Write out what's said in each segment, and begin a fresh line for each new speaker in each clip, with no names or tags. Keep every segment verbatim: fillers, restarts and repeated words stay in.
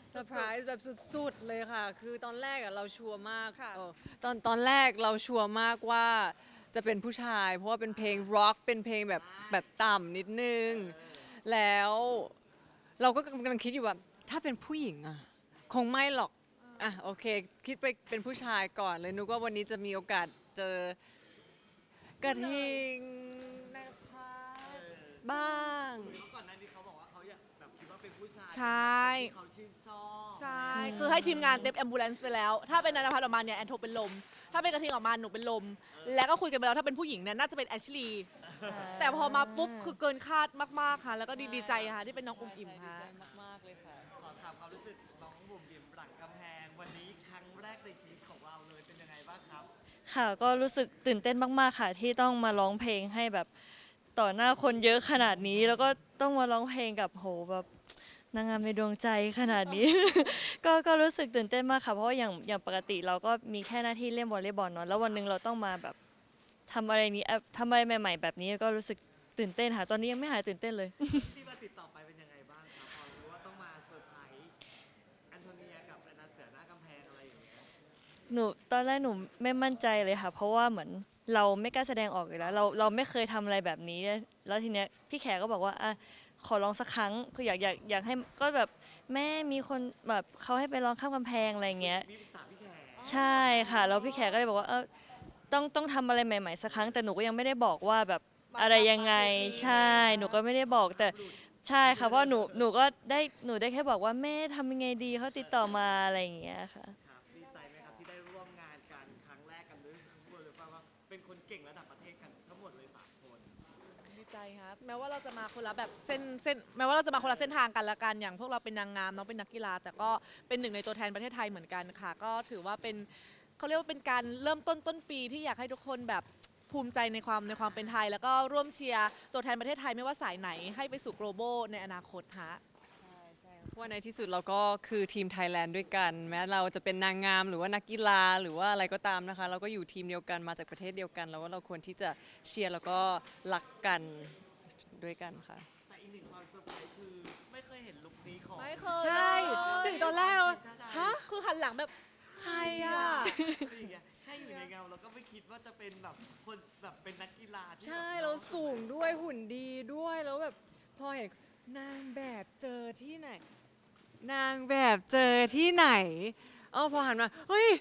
เซอร์ไพรส์แบบสุดๆเลยค่ะ คือตอนแรกอะเราชัวร์มาก
ค่ะ
เออตอนตอนแรกเราชัวร์มากว่าจะเป็นผู้ชาย เพราะว่าเป็นเพลงร็อกเป็นเพลงแบบแบบต่ำนิดนึง แล้วเราก็กำลังคิดอยู่ว่าถ้าเป็นผู้หญิงอะคงไม่หรอกอ่ะโอเค คิดไปเป็นผู้ชายก่อนเลยนึกว่าวันนี้จะมีโอกาสเจอกระทิงนะคะบ้าง
เมื่อก่อนหน้านี้เขาบอกว่าเขาอยากแบบคิดว่าเป็นผู้ชาย
ใช่
เป็นแบบคนที่เขาชื่นชอบ
ใช่ คือให้ทีมงานเต็มแอมบูเลนซ์ไปแล้ว ถ้าเป็นนันทพัฒน์ออกมาเนี่ยแอนโทเป็นลม ถ้าเป็นกระทิงออกมาหนูเป็นลม แล้วก็คุยกันไปแล้วถ้าเป็นผู้หญิงเนี่ยน่าจะเป็นแอชลีย์แต่พอมาปุ๊บคือเกินคาดมากๆค่ะ แล้วก็ดีดีใจค่ะที่เป็นน้องอุ้มอิ่มค่ะ
ดีใจมากๆเลยค่ะ
ขอถามความรู้สึกน้องบุ๋มบิ๋มหลังกำแพงวันนี้ครั้งแรกในชีวิตของเราเลยเป็นยังไงบ้างครับ
ค่ะก็รู้สึกตื่นเต้นมากๆค่ะที่ต้องมาร้องเพลงให้แบบต่อหน้าคนเยอะขนาดนี้ แล้วก็ต้องมาร้องเพลงกับโหแบบนางงามในดวงใจขนาดนี้ ก็ก็รู้สึกตื่นเต้นมากค่ะเพราะว่าอย่างอย่างปกติเราก็มีแค่หน้าที่เล่นวอลเลย์บอลเนาะแล้ววันหนึ่งเราต้องมาแบบทำอะไรนี้เอ่อทำอะไรใหม่ ๆ แบบนี้ก็รู้สึกตื่นเต้นค่ะตอนนี้ยังไม่หายตื่นเต้นเลย
ที่มาติดต่อไปเป็นยังไงบ้างครับพอรู้ว่าต้องมาเซอร์ไพรส์แอนโทเนียกับแอนนาเสือหน้ากำแพงอะไรอย่างเงี้ย
หนูตอนแรกหนูไม่มั่นใจเลยค่ะ เพราะว่าเหมือนเราไม่กล้าแสดงออกอยู่แล้วเราเราไม่เคยทำอะไรแบบนี้ แล้วทีเนี้ยพี่แขกก็บอกว่าอ่ะขอลองสักครั้งคืออยากอยากอยากให้ก็แบบแม่มีคนแบบเขาให้ไปลองข้ามกำแพงอะไรเงี้ย
มีปรึกษาพี่แขก
ใช่ค่ะแล้วพี่แขกก็เลยบอกว่าเออต้องต้องทำอะไรใหม่ๆสักครั้งแต่หนูก็ยังไม่ได้บอกว่าแบบอะไรยังไงใช่หนูก็ไม่ได้บอกแต่ใช่ค่ะเพราะหนูหนูก็ได้หนูได้แค่บอกว่าแม่ทำยังไงดีเขาติดต่อมาอะไรอย่างเงี้ยค่ะ
ครับดีใจไหมครับที่ได้ร่วมงานกันครั้งแรกกันด้วยทั้งหมดเลยว่าเป็นคนเก่งระดับประเทศกันทั้งหมดเลยสามคน
ดีใจครับแม้ว่าเราจะมาคนละแบบเส้นเส้นแม้ว่าเราจะมาคนละเส้นทางกันละกันอย่างพวกเราเป็นนางงามน้องเป็นนักกีฬาแต่ก็เป็นหนึ่งในตัวแทนประเทศไทยเหมือนกันค่ะ ก็ถือว่าเป็นเขาเรียกว่าเป็นการเริ่มต้นต้นปีที่อยากให้ทุกคนแบบภูมิใจในความในความเป็นไทย แล้วก็ร่วมเชียร์ตัวแทนประเทศไทยไม่ว่าสายไหนให้ไปสู่ global ในอนาคตฮะ
ใช่ใช่เพราะว่าในที่สุดเราก็คือทีมไทยแลนด์ด้วยกัน แม้เราจะเป็นนางงามหรือว่านักกีฬาหรือว่าอะไรก็ตามนะคะ เราก็อยู่ทีมเดียวกันมาจากประเทศเดียวกัน แล้วว่าเราควรที่จะเชียร์แล้วก็รักกันด้วยกันค่ะ
แต่อีกหนึ่งความเซอร์ไพรส์คือไม่เคยเห็นลุคนี้ของ
ไม่เคย
ใช่
เลย
ถึงตอนแรกเราฮะ
คือหันหลังแบบ
ใครอ่ะ
อย่างเงี้ยแค่อยู่ในเงาเราก็ไม่คิดว่าจะเป็นแบบคนแบบเป็นนักกีฬาที่
ใช่
แบบ
เราสูงด้วยหุ่นดีด้วยแล้วแบบพอเห็นนางแบบเจอที่ไหน นางแบบเจอที่ไหนเออพอหันมาเฮ้ย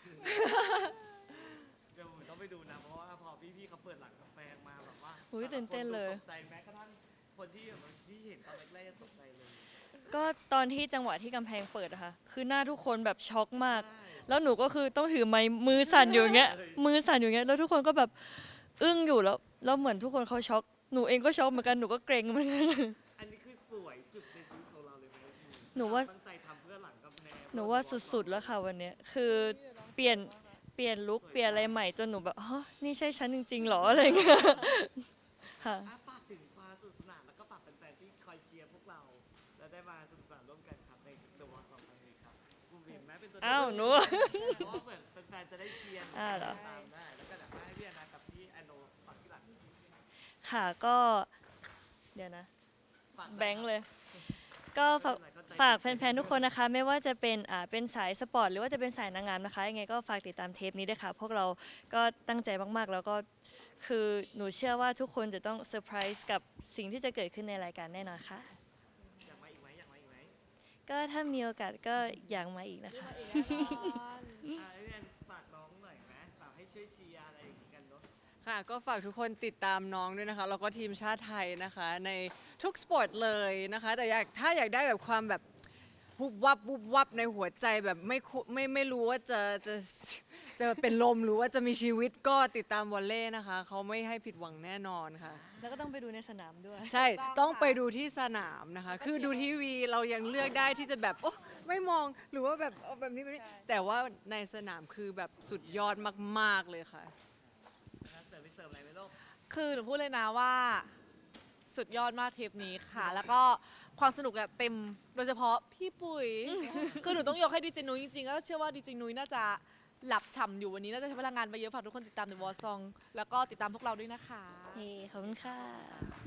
เดี๋ยวผมต้องไปดูนะเพราะว่าพอพี่ๆเขาเปิดหลังกาแฟมาแบบว่า
อุ๊ยตื่นเต้นเลย
ตกใจแม้กระทั่งคนที่แบบที่เห็นตอนแรกๆยังตกใจเลย
ก็ตอนที่จังหวะที่กำแพงเปิดอะค่ะคือหน้าทุกคนแบบช็อกมาก
ใช่
แล้วหนูก็คือต้องถือไม้มือสั่นอยู่อย่างเงี้ย มือสั่นอยู่อย่างเงี้ย แล้วทุกคนก็แบบอึ้งอยู่แล้ว แล้วเหมือนทุกคนเขาช็อก หนูเองก็ช็อกเหมือนกัน หนูก็เกรงเหมือนกัน
อันนี้คือสวยสุดในชีวิตของเราเลยไหม
หนูว่า
ตั้งใจทำเพื่อหลังกำแพง
หนูว่าสุดๆแล้วค่ะวันเนี้ย คือเปลี่ยนเปลี่ยนลุคเปลี่ยนอะไรใหม่จนหนูแบบฮะนี่ใช่ฉันจริงๆหรออะไรเงี้ย ค่ะ
อ่ะฝากถึงความสนุกสนานแล้วก็ฝากแฟนๆที่คอยเชียร์พวกเรา และได้มาสนุกสนานร่วมกันครับในตัววอลสองครั้งนี้ครับคุณเห็นไหมเป็นตัว
อ้าวหนู
เพราะว่าเหมือนแฟนๆจะได้เชียร์
อ้าวเหรอ
ตามได้แล้วก็อยากให้พี่แอนนากับพี่แอนโนฝากที่หลัง
ค่ะก็ เดี๋ยวนะ
ฝาก
แบงค์เลย ก็ฝากฝากแฟนๆ ทุกคนนะคะ ไม่ว่าจะเป็นอ่าเป็นสายสปอร์ตหรือว่าจะเป็นสายนางงามนะคะยังไงก็ฝากติดตามเทปนี้ด้วยค่ะ พวกเราก็ตั้งใจมากๆ แล้วก็คือหนูเชื่อว่าทุกคนจะต้องเซอร์ไพรส์กับสิ่งที่จะเกิดขึ้นในรายการแน่นอนค่ะ
อยากมาอีกไหมอยากมาอีกไหม
ก็ถ้ามีโอกาสก็อยากมาอีกนะคะ
อ่ะพี่แอนฝากน้องหน่อยไหมฝากให้ช่วยเชียร์อะไรอย่างงี้กันเนาะ
ค่ะก็ฝากทุกคนติดตามน้องด้วยนะคะแล้วก็ทีมชาติไทยนะคะในทุกสปอร์ตเลยนะคะ แต่อยากถ้าอยากได้แบบความแบบวุบวับวุบวับในหัวใจแบบไม่คุไม่ไม่รู้ว่าจะจะจะเป็นลมหรือว่าจะมีชีวิตก็ติดตามวอลเล่นะคะเขาไม่ให้ผิดหวังแน่นอนค่ะ
แล้วก็ต้องไปดูในสนามด้วย
ใช่ต้องไปดูที่สนามนะคะ คือดูทีวีเรายังเลือกได้ที่จะแบบโอ้ไม่มองหรือว่าแบบเอาแบบนี้แบบนี้แต่ว่าในสนามคือแบบสุดยอดมากๆเลยค่ะ
นะเสิร์ฟไปเสิร์ฟอะไรไหมลูก
คือหนูพูดเลยนะว่าสุดยอดมากเทปนี้ค่ะ แล้วก็ความสนุกอะเต็มโดยเฉพาะพี่ปุ๋ย คือหนูต้องยกให้ดีเจนุ้ยจริงๆก็เชื่อว่าดีเจนุ้ยน่าจะหลับฉ่ำอยู่วันนี้น่าจะใช้พลังงานไปเยอะฝากทุกคนติดตามในวอลซองแล้วก็ติดตามพวกเราด้วยนะคะ
เฮ้ขอบคุณค่ะ